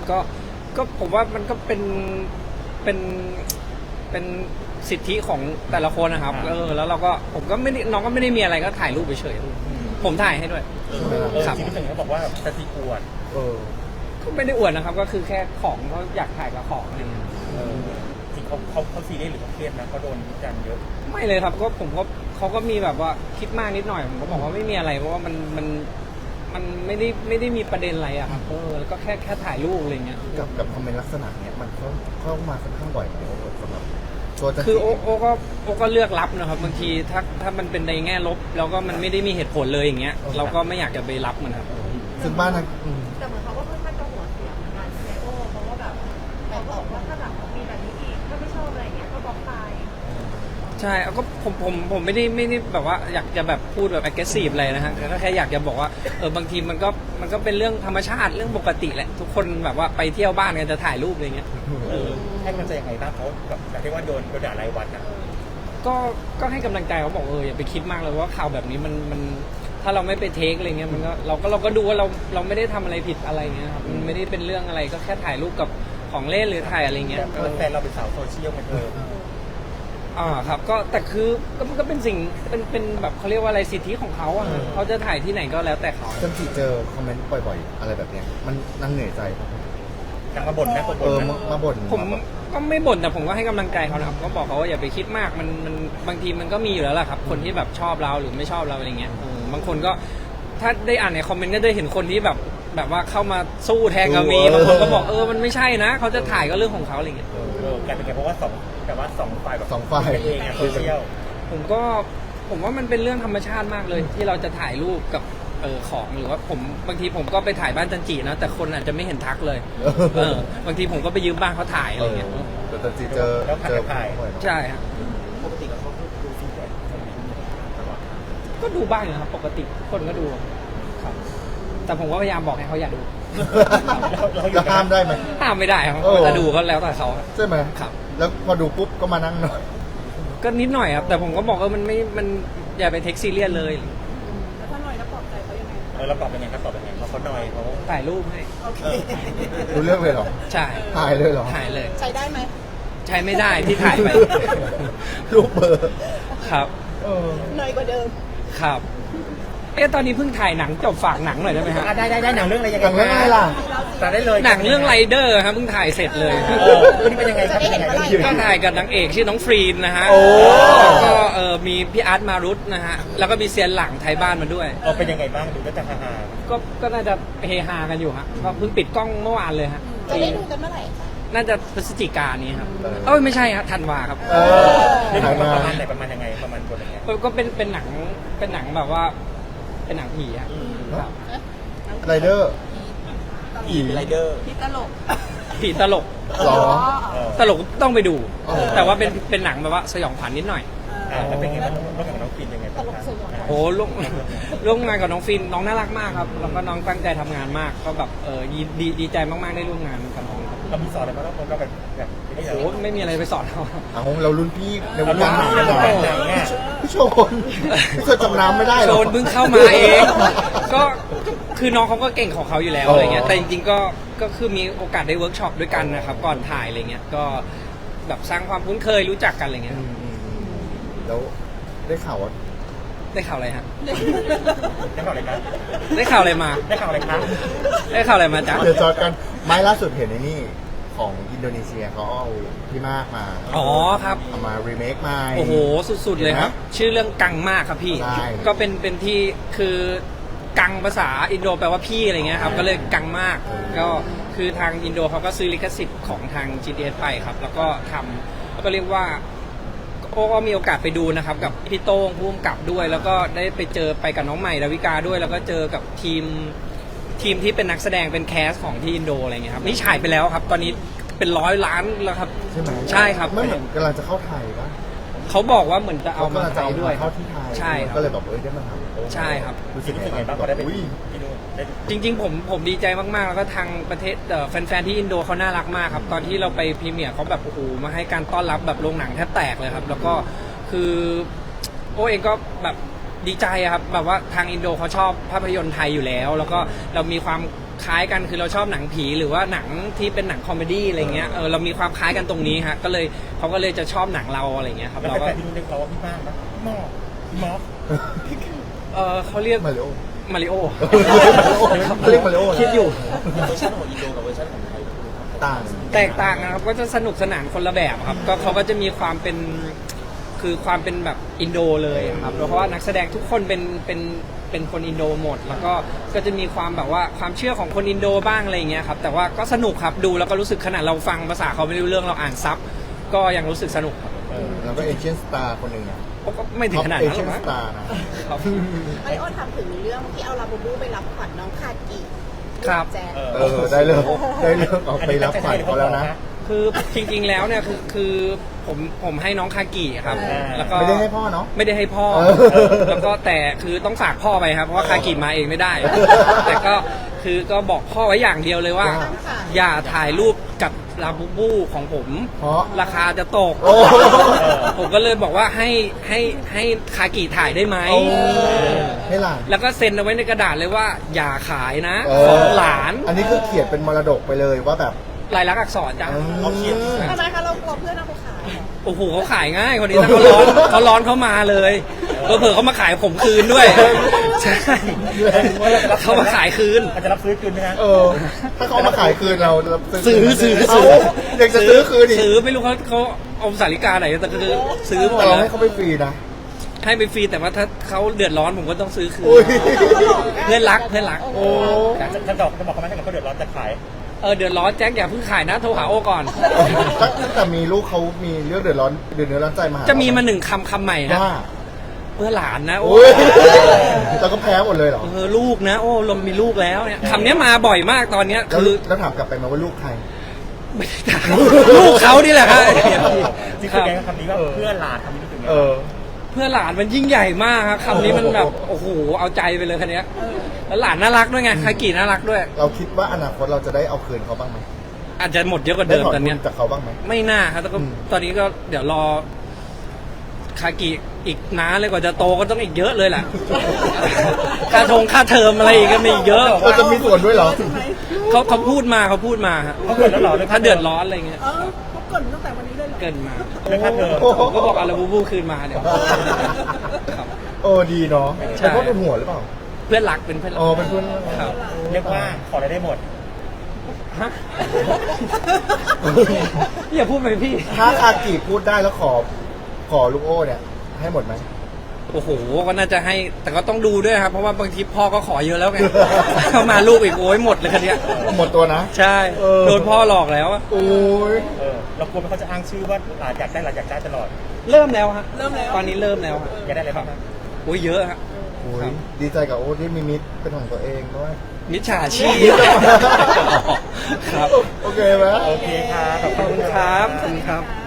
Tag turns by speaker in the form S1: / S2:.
S1: ก็ผมว่ามันก็เป็นเป็นสิทธิของแต่ละคนนะครับแล้วเราก็ผมก็ไม่ได้น้องก็ไม่ได้มีอะไรก็ถ่ายรูปไปเฉยๆผมถ่ายให้ด้วยครับ
S2: ที่พี่ถึงเขาบอกว่าจะตีอวด
S1: ก็ไม่ได้อวดนะครับก็คือแค่ของเขาอยากถ่ายกับของอะไรเงี้ย
S2: จริงเขาซีเรียสหรือเขาเครียดนะเขาโดนวิจารณ์เยอะ
S1: ไม่เลยครับก็ผมก็เขาก็มีแบบว่าคิดมากนิดหน่อยผมก็บอกว่าไม่มีอะไรเพราะว่ามันไม่ได้มีประเด็นอะไรอะครับแล้วก็แค่ถ่ายรูปอะไรเงี้ย
S3: กับคอมเมนต์ลักษณะเนี้ยมันเข้ามาค่อนข้างบ่อยไหมสำหรับ
S1: คือโอก็เลือกรับนะครับบางทีถ้ามันเป็นในแง่ลบแล้วก็มันไม่ได้มีเหตุผลเลยอย่างเงี้ยเราก็ไม่อยากจะไปรับมันครับ
S3: ซึ่งบ้านนะ
S4: แต่เหมือนเขาก็ค่อนข้างจะหัวเสียงเหมือนกันใช่ไหมโอ้เพราะว่าแบบเขาบอกว่าถ้าแบบมีแบบนี้อีกถ้าไม่ชอบอะไรเงี้ยก็บล็อกไป
S1: ใช่ก็ผมไม่ได้แบบว่าอยากจะแบบพูดแบบ aggressive อะไรนะฮะก็แค่อยากจะบอกว่าบางทีมันก็เป็นเรื่องธรรมชาติเรื่องปกติแหละทุกคนแบบว่าไปเที่ยวบ้านกันจะถ่ายรูปอะไรเงี้ย
S2: ให้มันจะยังไงบ้างเขาแบบเรียกว่าโดนด่ารายวันนะ
S1: ก็ให้กำลังใจเขาบอกอย่าไปคิดมากเลยว่าข่าวแบบนี้มันถ้าเราไม่ไปเทคอะไรเงี้ยมันก็เราก็ดูว่าเราไม่ได้ทำอะไรผิดอะไรเงี้ยครับมันไม่ได้เป็นเรื่องอะไรก็แค่ถ่ายรูปกับของเล่นหรือถ่ายอะไรเงี้ย
S2: แฟนเราเป็นสาวโซเชียลมัน
S1: ครับก็แต่คือก็เป็นสิ่งเป็นแบบเขาเรียกว่าอะไรสิทธิของเขาเขาจะถ่ายที่ไหนก็แล้วแต่เขา
S3: จนที่เจอคอมเมนต์บ่อยๆอะไรแบบเนี้ยมันนั่งเหนื่อยใจครับ
S2: มาบ่นนะ
S3: มาบ่น
S1: ผมก็ไม่บ่นแต่ผมก็ให้กำลังใจเขานะครับก็บอกเขาว่าอย่าไปคิดมากมันบางทีมันก็มีอยู่แล้วแหละครับคนที่แบบชอบเราหรือไม่ชอบเราอะไรเงี้ยบางคนก็ถ้าได้อ่านในคอมเมนต์ก็ได้เห็นคนที่แบบว่าเข้ามาสู้แทนก็มีบางคนก็บอกมันไม่ใช่นะเขาจะถ่ายก็เรื่องของเขาอะไรเงี้ย
S2: กลายเป็นไงเพราะว่าสองฝ่ายแบบ
S3: สองฝ่าย
S2: เองโซเชียล
S1: ผมว่ามันเป็นเรื่องธรรมชาติมากเลยที่เราจะถ่ายรูปกับของหรือว่าบางทีผมก็ไปถ่ายบ้านจันจีนะแต่คนอาจจะไม่เห็นทักเลยบางทีผมก็ไปยืมบ้านเขาถ่ายอะไรเงี้ย
S3: แต่จันจีเจอ
S2: ถ่าย
S1: ใช่ครับ
S2: ปกติเขาดูฟีดแบ็ก
S1: ก็ดูบ้างนะครับปกติคนก็ดูครับแต่ผมก็พยายามบอกให้เขาอย่าดู
S3: แล้วห้ามได้ไหม
S1: ห้ามไม่ได้ครับจะดูก็แล้วแต่เขา
S3: ใช่ไหม
S1: ครับ
S3: แล้วพอดูปุ๊บก็มานั่งหน่อย
S1: ก็นิดหน่อยครับแต่ผมก็บอกมันอย่าไปเทคซีเรียสเลย
S4: แล้วถ้าหน่อยแล้วปลอบใจเขายังไง
S2: เราตอบเป็นไงครับตอบเป็นไงเขาหน่อยเขา
S1: ถ่ายรูปให้
S3: รู้เรื่องเลยเหรอ
S1: ใช่
S3: ถ่ายเลยเหรอ
S1: ถ่ายเลย
S4: ใช้ได้ไหม
S1: ใช้ไม่ได้ที่ถ่ายไป
S3: รูปเบอร์
S1: ครับ
S4: หน่อยกว่าเดิม
S1: ครับตอนนี้เพิ่งถ่ายหนังจบฝากหนังหน่อยได้ไหมครับ
S2: ได้หนังเรื่องอะไรยังไง
S3: ล่ะ
S2: แต่ได้เลย
S1: หนังเรื่องไรเดอร์ครับเพิ่งถ่ายเสร็จเลย
S2: นี่เป็นยังไงครับ
S1: ก็ถ่ายกับนางเอกชื่อน้องฟรีนนะฮะแล้วก็มีพี่อาร์ตมารุตนะฮะแล้วก็มีเซียนหลังไทยบ้านมาด้วย
S2: เป็นยังไงบ้างดูก็จะฮา
S1: ก็น่าจะเฮฮากันอยู่ฮะก็เพิ่งปิดกล้องเมื่อวานเลยฮะ
S4: จะได้ดูกันเมื่อไหร่
S1: น่าจะพฤศจิกายนนี้ครับไม่ใช่ครับธันวาครับ
S2: ประมาณไหนประมาณยังไงประมาณคนยังไง
S1: ก็เป็นหนังแบบว่าเป็นหนังผีครับ
S3: ไรเดอร์
S2: ไรเดอร์
S4: ผีตลก
S3: หรอ
S1: ตลกต้องไปดูแต่ว่าเป็นหนังแบบว่าสยองขวัญนิดหน่อย
S2: แล้วเป็นไงบ้างร่วมกับน้องฟินยังไงบ้าง
S1: โอ้ร่วมงานกับน้องฟินน้องน่ารักมากครับแล้วก็น้องตั้งใจทำงานมากก็แบบดีใจมากๆได้ร่วมงานกับน้อง
S2: เรามีสอนอะไรบ้างเราแบบ
S1: โอ้ไม่มีอะไรไปสอนเขา
S3: เรารุ่นพี่ในวงการหนังพี่โชนจำน้ำไม่ได้
S1: โชนเพิ่งเข้ามาเองก็คือน้องเขาก็เก่งของเขาอยู่แล้วอะไรเงี้ยแต่จริงๆก็คือมีโอกาสได้เวิร์กช็อปด้วยกันนะครับก่อนถ่ายอะไรเงี้ยก็แบบสร้างความคุ้นเคยรู้จักกันอะไรเงี้ย
S3: แล้วได้ข่าว
S1: อะไรฮะ
S2: ได้ข่าวอะไรครับ
S1: ได้ข่าวอะไรมา
S2: ได้ข่าวอะไรครับ
S1: ได้ข่าวอะไรมาจ๊ะ
S3: เดี๋ยวจอดกันไม้ล่าสุดเห็นในนี่ของอินโดนีเซียเขาเอาพี่มากมา
S1: ครับ
S3: เอามารีเมคใหม่
S1: โอ้โหสุดๆเลยครับชื่อเรื่องกังมากครับพี่ก็เป็นที่คือกังภาษาอินโดแปลว่าพี่อะไรเงี้ยครับก็เลยกังมากก็คือทางอินโดเขาก็ซื้อลิขสิทธิ์ของทาง GDS ไปครับแล้วก็ทำแล้วก็เรียกว่าก็มีโอกาสไปดูนะครับกับพี่โต้งผู้กำกับด้วยแล้วก็ได้ไปกับน้องใหม่ดาวิกาด้วยแล้วก็เจอกับทีมที่เป็นนักแสดงเป็นแคสของที่อินโดอะไรเงี้ยครับนี่ฉายไปแล้วครับตอนนี้เป็น100 ล้านแล้วครับ
S3: ใช่ไหม
S1: ใช่ครับ
S3: ไม่เหมือนกำลังจะเข้าไทยปะ
S1: เขาบอกว่าเหมือนจะเอามาไทยด้วย
S3: เข้าที่ไทย
S1: ใช่ครับ
S3: ก็เลยแบบได้มาท
S1: ำใช่ครับ
S2: รู้สึกยังไงบ้างก็ได้ไป
S1: จริงๆผมดีใจมากๆแล้วก็ทางประเทศแฟนๆที่อินโดเขาน่ารักมากครับตอนที่เราไปพรีเมียร์เขาแบบโอ้โหมาให้การต้อนรับแบบโรงหนังแทบแตกเลยครับแล้วก็คือเองก็แบบดีใจครับแบบว่าทางอินโดเขาชอบภาพยนตร์ไทยอยู่แล้วแล้วก็เรามีความคล้ายกันคือเราชอบหนังผีหรือว่าหนังที่เป็นหนังคอมเมดี้อะไรเงี้ยเรามีความคล้ายกันตรงนี้ฮะก็เลยเขาก็เลยจะชอบหนังเราอะไรเงี้ยครับ
S2: แล้ว
S1: เราก็
S2: แฟนๆที่รู้เรียกเราว่าพี่บ้างนะพี่หมอกพี่หมอก
S1: เขาเรียก
S3: มาริโอ
S1: มาริโอ
S3: เขาเรียกมาริโอ
S1: คิดอยู่
S2: เวอร์ชันของอินโดกับเวอร์ชันของไทย
S3: ต่าง
S1: แตกต่างนะครับก็จะสนุกสนานคนละแบบครับก็เขาก็จะมีความเป็นคือความเป็นแบบอินโดเลยครับเพราะว่านักแสดงทุกคนเป็นคนอินโดหมด แล้วก็จะมีความแบบว่าความเชื่อของคนอินโดบ้างอะไรอย่างเงี้ยครับแต่ว่าก็สนุกครับดูแล้วก็รู้สึกขนาดเราฟังภาษาเขาไม่รู้เรื่องเราอ่านซับก็ยังรู้สึกสนุกครับ
S3: แล้วก็เอเชียนสตาร์คนหนึ่งอะ
S1: ก็ไม่ถึงขนาด
S3: เอ
S1: นั้นห
S3: เชี
S1: ร
S3: ย
S1: อน ก
S3: ส
S1: มั้ง
S3: ตาร์นะ
S1: ครับ
S4: ไอโอถามถึงเรื่องที่เอาลาบูบูไปรับขวัญน้องคากิ
S1: ครับ
S4: แจ๊ค
S3: ได้เลิกเอาไปรับขวัญเขาแล้วนะ
S1: คือจริงๆแล้วเนี่ยคือผมให้น้องคากิครับแล้วก็
S3: ไม่ได้ให้พ่อเนาะ
S1: ไม่ได้ให้พ่อ แล้วก็แต่คือต้องฝากพ่อไปครับเพราะว่าคากิมาเองไม่ได้ แต่ก็คือก็บอกพ่อไว้อย่างเดียวเลยว่า อย่าถ่ายรูปกับลาบูบูของผม
S3: เพราะ
S1: ราคาจะตก
S3: โอ้
S1: ผมก็เลยบอกว่าให้คากิถ่ายได้ไหม
S3: โอ้ให้หลาน
S1: แล้วก็เซ็นเอาไว้ในกระดาษเลยว่า อย่าขายนะ
S3: เอ
S1: ข
S3: อ
S1: องหลาน
S3: อันนี้คือเขียนเป็นมรดกไปเลยว่าแบบ
S1: ลายลักษณ์อักษรจ้ะ
S2: เขาเขียน
S4: ทำไมคะเรากลัวเพื่อนเอาไปขายเหรอ
S1: โอ้โหเขาขายง่ายคนนี้ถ้าเขาร้อนเขามาเลยเผลอๆเขามาขายผมคืนด้วยใช่เขามาขายคืน
S2: อาจจะรับซื้อคืนไหมฮะ
S3: ถ้าเขามาขายคืนเรา
S1: ซื้อ
S3: เอาอยากจะซื้อคืนอีก
S1: ซื้อไม่รู้เขาเอาสาริกาไหนแต่ก็คือซื้อหมด
S3: แต่เรา
S1: แล้ว
S3: ให้เขาไปฟรีนะ
S1: ให้ไปฟรีแต่ว่าถ้าเขาเดือดร้อนผมก็ต้องซื้อคืน
S3: อุ้ย
S1: เพื่อนรัก
S3: โอ้
S2: จะบอกเขาไหมถ้าเกิดเขาเดือดร้อนจะขาย
S1: เดือดร้อนแจ็คอย่าเพิ่งขายนะโทรหาโอก่อน
S3: ตั้งแต่มีลูกเขามีเรื่องเดือดร้อนใจมาหา
S1: จะมีมาหนึ่งคำใหม่นะ
S3: ว่า
S1: เพื่อหลานนะโอ้
S3: โอ้ยแล้วก็แพ้หมดเลยเหรอ
S1: ลูกนะโอ้ลมมีลูกแล้วเนี่ยคำนี้มาบ่อยมากตอนเนี้ย
S3: แล้ว
S1: คือ
S3: แล้วถามกลับไปไหมาว่าลูกใคร
S1: ไม่ได้ถามลูกเขานี่แหละครับ
S2: จริง
S1: ค
S2: ๆ
S1: รับ
S2: แกก็คำนี้ว่าเพื่อนหลานคำนี้ถึงไง
S1: เพื่อหลานมันยิ่งใหญ่มากครับคำนี้มันแบบโอ้โหเอาใจไปเลยคันนี้ยแล้วหลานน่ารักด้วยไงคากิน่ารักด้วย
S3: เราคิดว่าอนาคตเราจะได้เอาคืนเขาบ้างไหม
S1: อาจจะหมดเยอะกว่า
S3: ได้
S1: เดิม
S3: ถอน
S1: ตอน
S3: เงิ
S1: เนี้ย
S3: นจากเขาบ้างไหม
S1: ไม่น่าครับแต่ก็
S3: อืม
S1: ตอนนี้ก็เดี๋ยวรอคากิอีกนานเลยกว่าจะโตก็ต้องอีกเยอะเลยแหละ ค่าเทอมอะไรอีกก็มีอีกเยอะ
S3: เราจะมีส่วนด้วยเหรอ
S1: เขาพูดมาฮะ
S2: เขาเกิดแล้วเหรอ
S1: ถ้าเดือดร้อนอะไรเงี้ย
S4: เขาเกิดตั้งแต่วันนี้เลยเหรอ
S1: เกินมา
S2: เรื่องค่าเทอม
S1: ผมก็บอกอาราบูบูคืนมาเดี๋ยวครับ
S3: ดีเนาะ
S1: ใช่
S3: เป็นเพราะเป็นหัวหรือเปล่า
S1: เพื่อนรักเป็นเพื่อนรั
S3: เป็นเพื่อน
S1: ครับ
S2: เรียกว่าขออะไรได้หมด
S1: ฮะ อย่าพูดไปพี่
S3: ถ้าคากิพูดได้แล้วขอลูกโอ้เนี่ยให้หมดไหม
S1: โอ้โหก็น่าจะให้แต่ก็ต้องดูด้วยครับเพราะว่าบางทีพ่อก็ขอเยอะแล้วไง เข้ามาลูกอีกโอ้ยหมดเลยคันเนี้ย
S3: หมดตัวนะ
S1: ใช่
S3: เออ
S1: โดนพ่อหลอกแล้วอะ
S3: โอ้ย
S2: เรากลัวไหมเขาจะอ้างชื่อว่าหลานอยากได้ตลอด
S1: เริ่มแล้วฮะตอนนี้เริ่มแล้วฮะ
S2: อยากได้อะไรบ้างครับ
S1: โอ้ยเยอะฮะ
S3: โอ้ยดีใจกับโอ้ที่มีมิตรเป็นของตัวเองด้วย
S1: มิจฉาชีพครับ
S3: โอเคไหม
S2: โอเคครับ
S1: ขอบคุณครับขอบคุณครับ